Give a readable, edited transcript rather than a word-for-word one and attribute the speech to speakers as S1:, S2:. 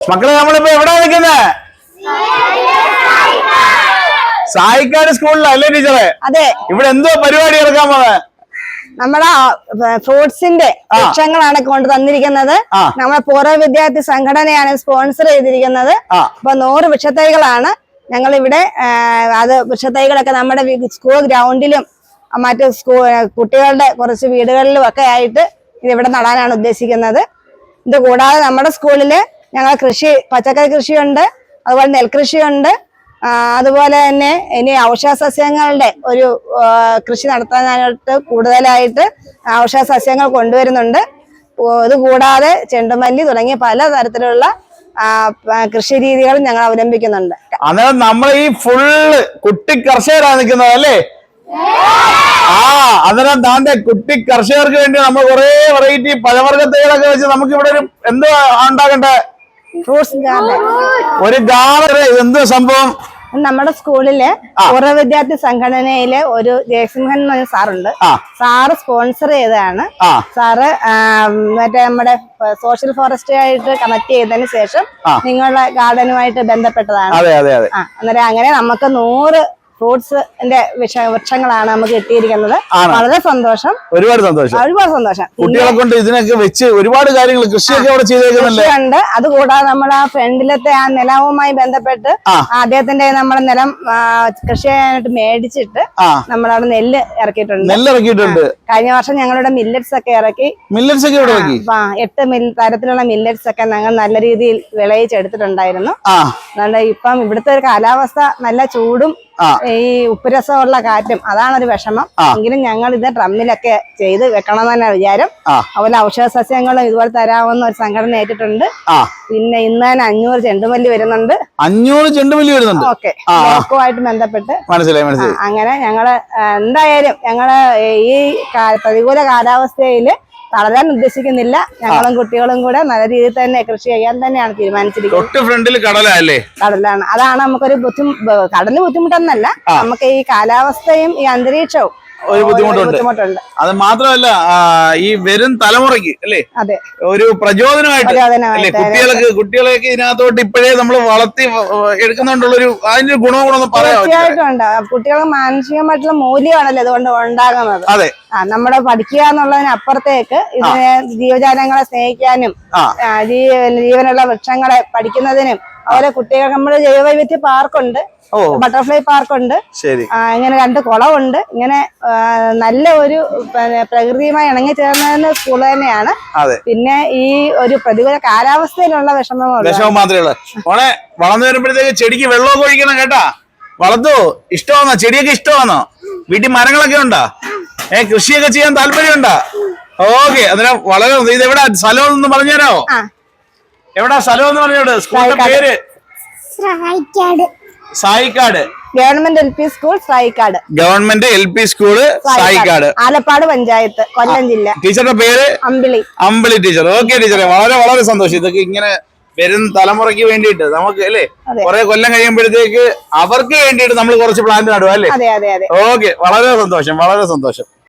S1: മക്കളെ നമ്മളിപ്പോ എവിടെ നിൽക്കുന്നത്? സായിക്കാട് സ്കൂളിലല്ലേ ടീച്ചറെ?
S2: അതെ.
S1: ഇവിടെ എന്തോ പരിപാടി എടുക്കാൻ പോന്നെ?
S2: നമ്മുടെ ഫ്രൂട്ട്സിന്റെ വൃക്ഷങ്ങളാണ് കൊണ്ട് തന്നിരിക്കുന്നത്. നമ്മളെ പൂർവ്വ വിദ്യാർത്ഥി സംഘടനയാണ് സ്പോൺസർ ചെയ്തിരിക്കുന്നത്. അപ്പൊ 100 വൃക്ഷത്തൈകളാണ് ഞങ്ങൾ ഇവിടെ. അത് വൃക്ഷത്തൈകളൊക്കെ നമ്മുടെ സ്കൂൾ ഗ്രൗണ്ടിലും മറ്റു കുട്ടികളുടെ കുറച്ച് വീടുകളിലും ഒക്കെ ആയിട്ട് ഇതിവിടെ നടാനാണ് ഉദ്ദേശിക്കുന്നത്. ഇത് കൂടാതെ നമ്മുടെ സ്കൂളില് ഞങ്ങൾ പച്ചക്കറി കൃഷിയുണ്ട്, അതുപോലെ നെൽകൃഷിയുണ്ട്. അതുപോലെ തന്നെ ഇനി ഔഷധ സസ്യങ്ങളുടെ ഒരു കൃഷി നടത്താനായിട്ട് കൂടുതലായിട്ട് ഔഷധ സസ്യങ്ങൾ കൊണ്ടുവരുന്നുണ്ട്. ഇത് കൂടാതെ ചെണ്ടുമല്ലി തുടങ്ങിയ പല തരത്തിലുള്ള കൃഷി രീതികളും ഞങ്ങൾ അവലംബിക്കുന്നുണ്ട്.
S1: അന്നേരം നമ്മൾ ഈ ഫുള്ള് കുട്ടി കർഷകരാണ് നിൽക്കുന്നത് അല്ലേ? അന്നേരം താന്റെ കുട്ടി കർഷകർക്ക് വേണ്ടി നമ്മൾ കുറെ വെറൈറ്റി പഴവർഗ്ഗ തൈകളൊക്കെ വെച്ച് നമുക്ക് ഇവിടെ ഒരു എന്തോ ഉണ്ടാകണ്ടേ?
S2: Fruits garden.
S1: ഒരു ഗാർഡൻ. എന്തോ സംഭവം?
S2: നമ്മുടെ സ്കൂളിലെ പൂർവ്വ വിദ്യാർത്ഥി സംഘടനയിലെ ഒരു ജയസിംഹൻ എന്ന് പറഞ്ഞ സാറുണ്ട്. സാറ് സ്പോൺസർ ചെയ്തതാണ്. സാറ് മറ്റേ നമ്മുടെ സോഷ്യൽ ഫോറസ്റ്റ് ആയിട്ട് കണക്ട് ചെയ്തതിന് ശേഷം നിങ്ങളുടെ ഗാർഡനുമായിട്ട് ബന്ധപ്പെട്ടതാണ്. അന്നേരം അങ്ങനെ നമുക്ക് 100 ഫ്രൂട്ട്സിന്റെ വൃക്ഷങ്ങളാണ് നമുക്ക് കിട്ടിയിരിക്കുന്നത്. വളരെ സന്തോഷം,
S1: ഒരുപാട് സന്തോഷം. കുട്ടികളെ കൊണ്ട് ഇതിനൊക്കെ വെച്ച് ഒരുപാട് കാര്യങ്ങൾ കൃഷിയൊക്കെ അവിടെ ചെയ്തേക്കുന്നുണ്ട്.
S2: അതുകൂടാതെ നമ്മൾ ആ ഫ്രണ്ടിലത്തെ ആ നിലവുമായി ബന്ധപ്പെട്ട് അദ്ദേഹത്തിന്റെ നമ്മളെ നിലം കൃഷി ചെയ്യാനായിട്ട് മേടിച്ചിട്ട് നമ്മളവിടെ നെല്ല് ഇറക്കിയിട്ടുണ്ട്. കഴിഞ്ഞ വർഷം ഞങ്ങളുടെ മില്ലറ്റ്സ് ഒക്കെ ഇറക്കി. 8 തരത്തിലുള്ള മില്ലറ്റ്സ് ഒക്കെ ഞങ്ങൾ നല്ല രീതിയിൽ വിളയിച്ചെടുത്തിട്ടുണ്ടായിരുന്നു. അതുകൊണ്ട് ഇപ്പം ഇവിടുത്തെ ഒരു കാലാവസ്ഥ നല്ല ചൂടും ഈ ഉപ്പുരസമുള്ള കാറ്റും അതാണൊരു വിഷമം. എങ്കിലും ഞങ്ങൾ ഇത് ഡ്രമ്മിലൊക്കെ ചെയ്ത് വെക്കണമെന്ന് തന്നെ വിചാരം. അതുപോലെ ഔഷധ സസ്യങ്ങളും ഇതുപോലെ തരാമെന്ന് ഒരു സംഘടന ഏറ്റിട്ടുണ്ട്. പിന്നെ ഇന്ന് തന്നെ 500 ചെണ്ടുമല്ലി വരുന്നുണ്ട്.
S1: 500 ചെണ്ടുമല്ലി വരുന്നുണ്ട്.
S2: ഓക്കെ, ബ്ലോക്കുമായിട്ട് ബന്ധപ്പെട്ട് അങ്ങനെ ഞങ്ങള് എന്തായാലും ഈ പ്രതികൂല കാലാവസ്ഥയില് തളരാൻ ഉദ്ദേശിക്കുന്നില്ല. ഞങ്ങളും കുട്ടികളും കൂടെ നല്ല രീതിയിൽ തന്നെ കൃഷി ചെയ്യാൻ തന്നെയാണ് തീരുമാനിച്ചിരിക്കുന്നത്. കടലാണ്. അതാണ് നമുക്കൊരു കടല് ബുദ്ധിമുട്ടൊന്നല്ല, നമുക്ക് ഈ കാലാവസ്ഥയും ഈ അന്തരീക്ഷവും
S1: ഒരു ബുദ്ധിമുട്ടുണ്ട്. അത് മാത്രമല്ല ഈ വരും തലമുറയ്ക്ക് അല്ലേ ഒരു പ്രചോദനമായിട്ട് കുട്ടികളെയൊക്കെ ഇതിനകത്തോട്ട് ഇപ്പോഴേ നമ്മൾ വളർത്തി എടുക്കുന്നുണ്ടുള്ളൊരു അതിന്റെ ഗുണങ്ങളൊന്നും
S2: തീർച്ചയായിട്ടും ഉണ്ട്. കുട്ടികൾക്ക് മാനസികമായിട്ടുള്ള മൂല്യമാണല്ലോ ഇതുകൊണ്ട് ഉണ്ടാകുന്നത്. നമ്മുടെ പഠിക്കുക എന്നുള്ളതിനപ്പുറത്തേക്ക് ഇതിനെ ജീവജാലങ്ങളെ സ്നേഹിക്കാനും ജീവനുള്ള വൃക്ഷങ്ങളെ പഠിക്കുന്നതിനും അതുപോലെ കുട്ടികൾക്ക് നമ്മുടെ ജൈവവൈവിധ്യ പാർക്കുണ്ട്, ബട്ടർഫ്ലൈ പാർക്കുണ്ട്, ഇങ്ങനെ 2 കുളമുണ്ട്. ഇങ്ങനെ നല്ല ഒരു പ്രകൃതിയുമായി ഇണങ്ങി ചേർന്ന സ്കൂൾ തന്നെയാണ്. പിന്നെ ഈ ഒരു പ്രതികൂല കാലാവസ്ഥയിലുള്ള വിഷമം
S1: മാത്രമേ ഉള്ളൂ. വളർന്നു വരുമ്പോഴത്തേക്ക് ചെടിക്ക് വെള്ളമൊക്കെ ഒഴിക്കണം കേട്ടാ. വളർത്തു ഇഷ്ടമാണോ? ചെടിയൊക്കെ ഇഷ്ടമാണോ? വീട്ടിൽ മരങ്ങളൊക്കെ ഉണ്ടോ? കൃഷിയൊക്കെ ചെയ്യാൻ താല്പര്യമുണ്ടോ? ഓക്കെ. അതിന് വളരെ ഇത് എവിടെ സ്ഥലം എന്ന് പറഞ്ഞുതരാമോ? എവിടാ സ്ഥലം എന്ന് പറഞ്ഞോട്? സ്കൂളിന്റെ പേര് Sayikkad
S2: government LP school Sayikkad.
S1: Government LP school Sayikkad,
S2: Alappad panchayat, Kollam ജില്ല.
S1: ടീച്ചറുടെ പേര് അമ്പിളി ടീച്ചർ. ഓക്കെ ടീച്ചറെ, വളരെ വളരെ സന്തോഷം. ഇതൊക്കെ ഇങ്ങനെ വരും തലമുറയ്ക്ക് വേണ്ടിയിട്ട് നമുക്ക് അല്ലേ കുറെ കൊല്ലം കഴിയുമ്പോഴത്തേക്ക് അവർക്ക് വേണ്ടിയിട്ട് നമ്മൾ കുറച്ച് പ്ലാന്റ് നടുക അല്ലേ? ഓക്കെ, വളരെ സന്തോഷം.